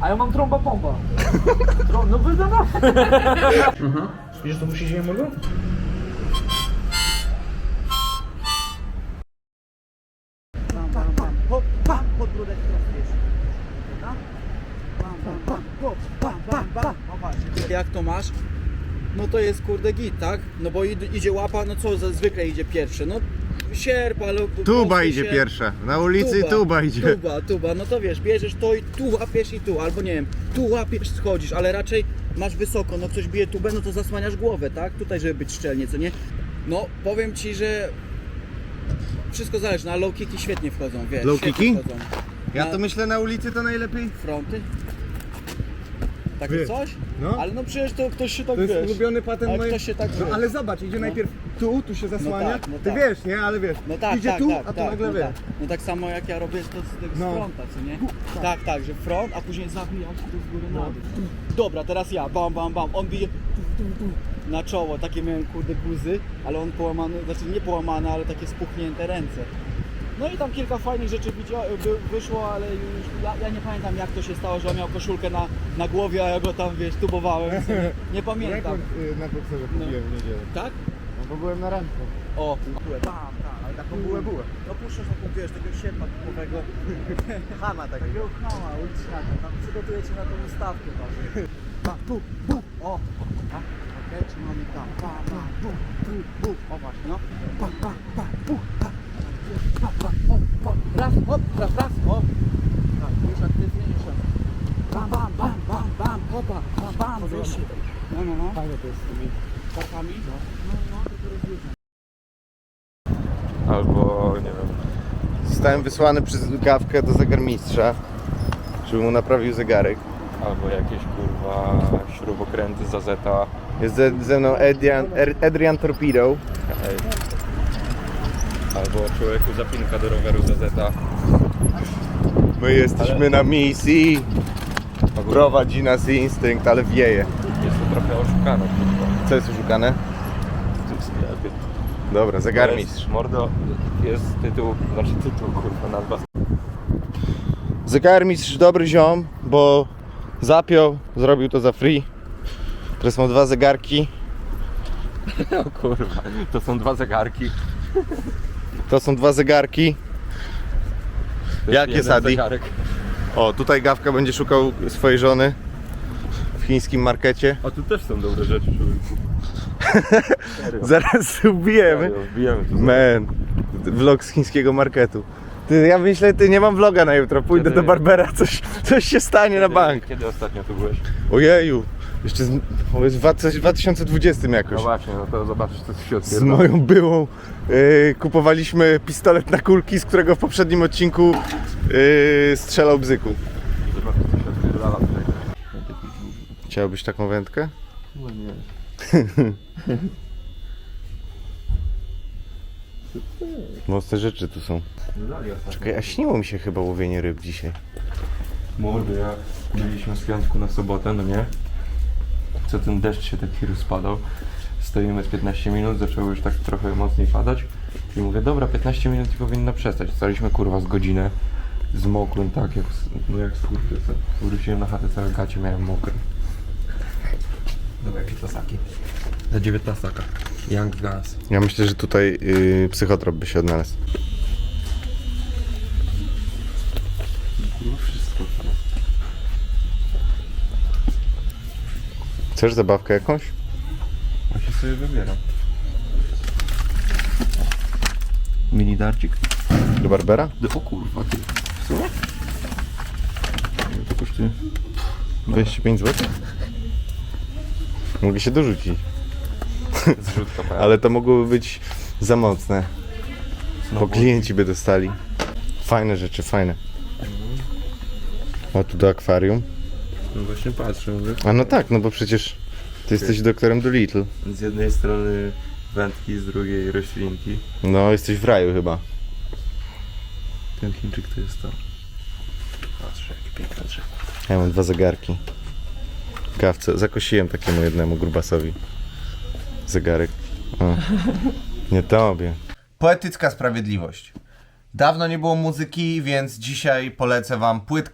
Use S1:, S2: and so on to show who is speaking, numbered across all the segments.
S1: A ja mam trąba pompa. No wydana. Wiesz, co musi się mogło? Hop, bam, podbródek teraz wiesz. Jak to masz? No to jest kurde git, tak? No bo idzie łapa, no co zwykle idzie pierwsze, no sierp, ale...
S2: Tuba idzie pierwsza, na ulicy tuba idzie.
S1: Tuba, no to wiesz, bierzesz to i tu łapiesz i tu, albo nie wiem, tu łapiesz, schodzisz, ale raczej masz wysoko, no ktoś bije tubę, no to zasłaniasz głowę, tak? Tutaj, żeby być szczelnie, co nie? No, powiem ci, że wszystko zależy, na low kicki świetnie wchodzą, wiesz,
S2: Low
S1: świetnie
S2: kicki?
S1: wchodzą.
S2: Ja to myślę na ulicy to najlepiej.
S1: Fronty? Takie
S2: Wie-
S1: coś?
S2: no.
S1: Ale no przecież to ktoś się tak,
S2: To jest
S1: wiesz,
S2: ulubiony patent
S1: ale
S2: mojej...
S1: ktoś się tak,
S2: No
S1: wiesz.
S2: ale zobacz, idzie najpierw tu się zasłania,
S1: tak, no
S2: ty
S1: tak.
S2: wiesz, nie? Ale wiesz,
S1: No tak,
S2: idzie
S1: tak,
S2: tu,
S1: tak,
S2: a tu
S1: tak,
S2: nagle
S1: no
S2: wiesz.
S1: tak. No tak samo jak ja robię to z tego
S2: No.
S1: z fronta, co nie? Tak, że front, a później zabijam się tu z góry na dół. Dobra, teraz ja, bam, on bije na czoło, takie miałem kurde guzy, ale on połamany, znaczy nie połamane, ale takie spuchnięte ręce. No i tam kilka fajnych rzeczy wyszło, ale już ja nie pamiętam jak to się stało, że on miał koszulkę na głowie, a ja go tam wiesz, tubowałem, nie pamiętam.
S2: Rekord na bokserze kupiłem w niedzielę.
S1: Tak?
S2: No bo byłem na randce.
S1: O, bam, ale taką bułę. No puszczasz taką, wiesz, takiego sierpa typowego.
S2: Hama takiego.
S1: Takiego chama uliczniaka, tam przygotujecie na tą ustawkę tam. Bam, bu, o. Okej, trzymamy tam, bam, bu. O właśnie, no. O. Raz, hop, raz, o. Tak, już aktywniejsze. Bam, hopa, bam, wyższy. No.
S2: Fajne to jest z tymi.
S1: Karkami? No, to rozluźnia.
S2: Albo, nie wiem. Zostałem wysłany przez gawkę do zegarmistrza, żeby mu naprawił zegarek.
S3: Albo jakieś kurwa śrubokręty za zeta.
S2: Jest ze mną Adrian Torpedo.
S3: Albo człowieku zapinka do roweru za zeta.
S2: My jesteśmy na misji. Prowadzi nas instynkt, ale wieje.
S3: Jest to trochę oszukane kurwa.
S2: Co jest oszukane?
S3: W tym sklepie.
S2: Dobra, zegarmistrz.
S3: Mordo, jest tytuł kurwa nazwa.
S2: Zegarmistrz dobry ziom, bo zapiął, zrobił to za free. Teraz mam 2 zegarki.
S3: O kurwa, to są 2 zegarki.
S2: To są 2 zegarki.
S3: To
S2: Jakie
S3: jest
S2: Sadi?
S3: zegarek.
S2: O, tutaj Gawka będzie szukał swojej żony w chińskim markecie.
S3: A tu też są dobre rzeczy, człowieku. Serio.
S2: Zaraz ubijemy.
S3: Serio, wbijemy tu.
S2: Man, vlog z chińskiego marketu. Ja myślę, nie mam vloga na jutro, pójdę
S3: Kiedy?
S2: do Barbera, coś się stanie na bank.
S3: Kiedy ostatnio tu byłeś?
S2: Ojeju, jeszcze w 2020
S3: No
S2: jakoś.
S3: właśnie, no to zobaczysz co się
S2: Z
S3: odpierdala.
S2: moją byłą kupowaliśmy pistolet na kulki, z którego w poprzednim odcinku strzelał bzyku.
S3: Zobaczysz co się odpierdala tutaj.
S2: Chciałbyś taką wędkę?
S3: No nie.
S2: Mocne rzeczy tu są. Czekaj, a śniło mi się chyba łowienie ryb dzisiaj.
S3: Mordy, jak byliśmy z piątku na sobotę, no nie? Co ten deszcz się taki rozpadał. Stoimy z 15 minut, zaczęło już tak trochę mocniej padać. I mówię, dobra, 15 minut i powinno przestać. Staliśmy kurwa z godzinę. Zmokłem tak jak, no jak skurczysy. Wróciłem na chatę, całe gacie miałem mokre. Dobra, jakie tasaki? Za 19. Young Guns.
S2: Ja myślę, że tutaj psychotrop by się odnalazł.
S3: Kurwa, wszystko.
S2: Chcesz zabawkę jakąś?
S3: Właśnie sobie wybieram. Mini darcik?
S2: Do Barbera?
S3: O kurwa, ty. W sumie? Ile to kosztuje?
S2: 25 zł? Mogę się dorzucić,
S3: Zrzutka pełna.
S2: ale to mogłoby być za mocne, bo klienci by dostali. Fajne rzeczy, fajne. O, tu do akwarium.
S3: No właśnie patrzę, mówię.
S2: A no tak, no bo przecież ty jesteś doktorem Dolittle.
S3: Z jednej strony wędki, z drugiej roślinki.
S2: No, jesteś w raju chyba.
S3: Ten Chińczyk to jest to. Patrz, jakie piękne drzewo.
S2: Ja mam 2 zegarki. Kawce, zakosiłem takiemu jednemu grubasowi zegarek. O. Nie tobie.
S4: Poetycka sprawiedliwość. Dawno nie było muzyki, więc dzisiaj polecę wam płytkę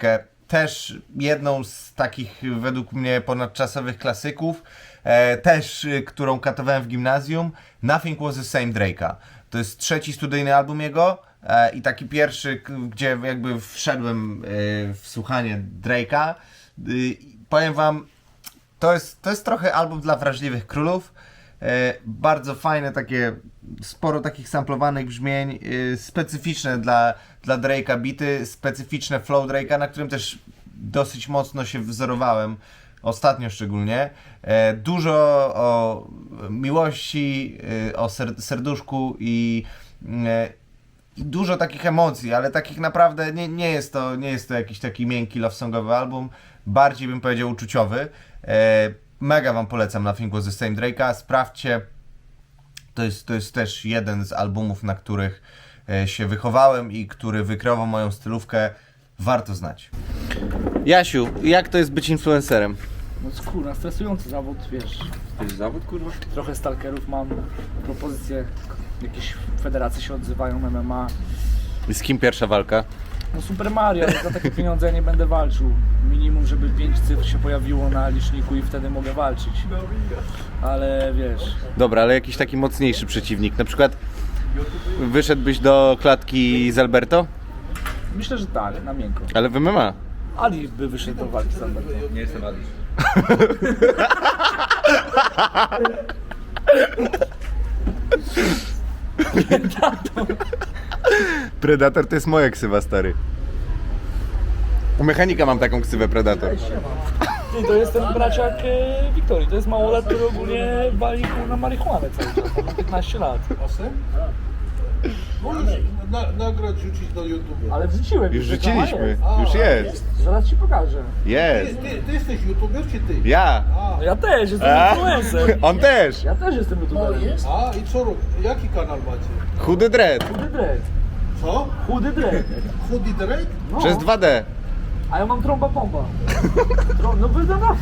S2: też jedną z takich według mnie ponadczasowych klasyków, też którą katowałem w gimnazjum, Nothing Was the Same Drake'a. To jest trzeci studyjny album jego i taki pierwszy, gdzie jakby wszedłem w słuchanie Drake'a. Powiem wam, to jest trochę album dla wrażliwych królów. Bardzo fajne takie, sporo takich samplowanych brzmień, specyficzne dla Drake'a bity, specyficzne flow Drake'a, na którym też dosyć mocno się wzorowałem, ostatnio szczególnie. Dużo o miłości, o serduszku i dużo takich emocji, ale takich naprawdę nie jest to jakiś taki miękki love songowy album, bardziej bym powiedział uczuciowy. Mega wam polecam Nothing Was the Same Drake'a, sprawdźcie. To jest też jeden z albumów, na których się wychowałem i który wykreował moją stylówkę. Warto znać. Jasiu, jak to jest być influencerem?
S4: No kurwa, stresujący zawód, wiesz.
S3: To jest zawód, kurwa?
S4: Trochę stalkerów mam, propozycje, jakieś federacje się odzywają, MMA.
S2: I z kim pierwsza walka?
S4: No Super Mario, ale za takie pieniądze ja nie będę walczył. Minimum, żeby 5 cyfr się pojawiło na liczniku i wtedy mogę walczyć. Ale wiesz...
S2: Dobra, ale jakiś taki mocniejszy przeciwnik. Na przykład wyszedłbyś do klatki z Alberto?
S4: Myślę, że tak, na miękko.
S2: Ale w MMA.
S4: Ali by wyszedł do walki z Alberto.
S3: Nie jestem Ali.
S2: Predator to jest moja ksywa, stary. U mechanika mam taką ksywę Predator.
S4: Ty, to jest ten braciak Wiktorii, to jest małolat, który ogólnie wali na marihuanę cały czas, ma 15 lat.
S5: Możesz nagrać, rzucić do YouTube.
S4: Ale wrzuciłem
S2: Już
S4: reklama
S2: rzuciliśmy.
S4: jest.
S2: Już jest.
S4: Zaraz ci pokażę.
S2: Jest.
S5: Ty jesteś YouTuber czy ty?
S2: Ja.
S4: No ja też jestem
S2: A?
S4: influencer.
S2: On też.
S4: Ja też jestem youtuberem.
S5: A i co robisz? Jaki kanał macie?
S2: Chudy dread.
S4: Chudy dread.
S5: Co?
S4: Chudy dread.
S5: Chudy Drake?
S4: No.
S2: Przez 2D.
S4: A ja mam trąba pompa. No wyda na.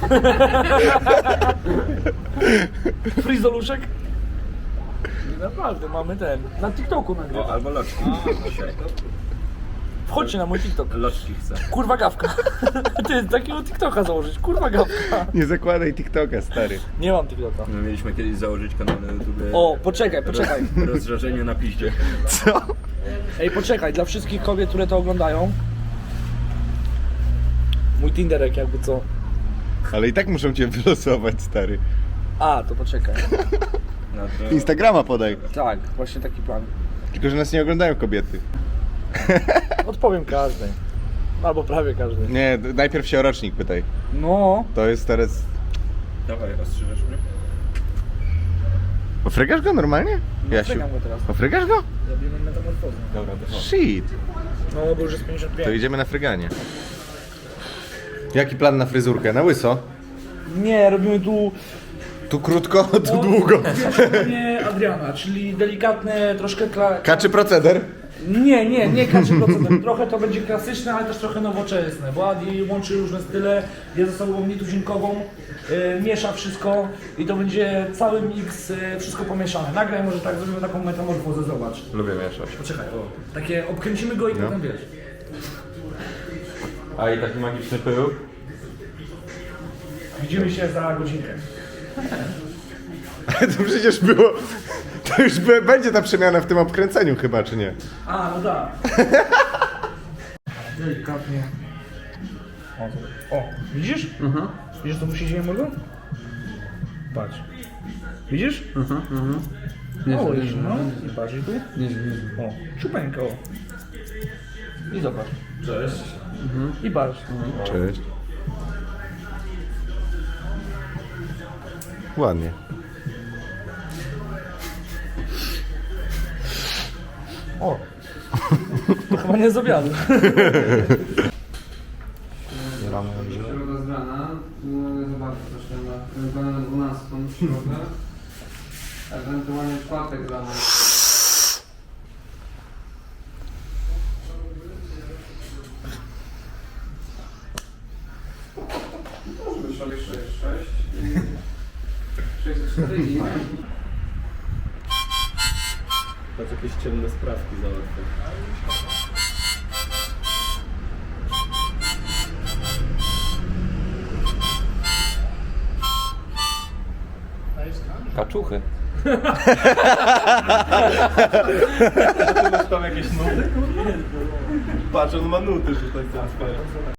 S4: Frizoluszek? Naprawdę, mamy ten. Na TikToku nagrywam.
S3: Albo loczki.
S4: Wchodźcie na mój TikTok.
S3: Loczki chcę.
S4: Kurwa gawka. Ty, takiego TikToka założyć. Kurwa gawka.
S2: Nie zakładaj TikToka, stary.
S4: Nie mam TikToka.
S3: My mieliśmy kiedyś założyć kanał na YouTube.
S4: O, poczekaj.
S3: Rozżarzenie na piździe.
S2: Co?
S4: Ej, poczekaj, dla wszystkich kobiet, które to oglądają. Mój Tinderek jakby co.
S2: Ale i tak muszą cię wylosować, stary.
S4: A, to poczekaj.
S3: No to...
S2: Instagrama podaj.
S4: Tak, właśnie taki plan.
S2: Tylko, że nas nie oglądają kobiety.
S4: Odpowiem każdej. Albo prawie każdej.
S2: Nie, najpierw się o rocznik pytaj.
S4: No.
S2: To jest teraz...
S3: Dawaj, ostrzyżesz mnie?
S2: Ofrygasz go normalnie? Jasiu.
S4: Frygam go teraz.
S2: Ofrygasz go?
S4: Zrobimy metamorfozę.
S3: Dobra, to chodź.
S2: Shit.
S4: No, bo już jest 55.
S2: To idziemy na fryganie. Jaki plan na fryzurkę? Na łyso?
S4: Nie, robimy tu...
S2: Tu krótko, tu długo.
S4: Nie Adriana, czyli delikatne, troszkę...
S2: Kaczy proceder?
S4: Nie kaczy proceder. Trochę to będzie klasyczne, ale też trochę nowoczesne, bo Adi łączy różne style, jest ze sobą nietuzinkową, miesza wszystko i to będzie cały miks, wszystko pomieszane. Nagraj może tak, zrobimy taką metamorfozę, zobacz.
S3: Lubię mieszać.
S4: Poczekaj, takie obkręcimy go i potem wiesz.
S3: A i taki magiczny pył?
S4: Widzimy się za godzinkę.
S2: To przecież było... To już będzie ta przemiana w tym obkręceniu chyba, czy nie?
S4: A, no tak. Delikatnie. O, widzisz? Widzisz, co tu się dzieje mego? Patrz. Widzisz? O, widzisz, no. I patrz, i tu? O, czupeńko. I zobacz. Cześć. I patrz.
S2: Cześć. Ładnie.
S4: O. To chyba nie z obiadu.
S6: Środa z rana, mogę zobaczyć troszkę na 12 w środę, ewentualnie czwartek rano. Może być sobie 6 i 4
S3: Patrz, jakieś ciemne sprawki załatwię. Kaczuchy.
S2: Tam jakieś nuty? Patrz, on ma nuty, że tak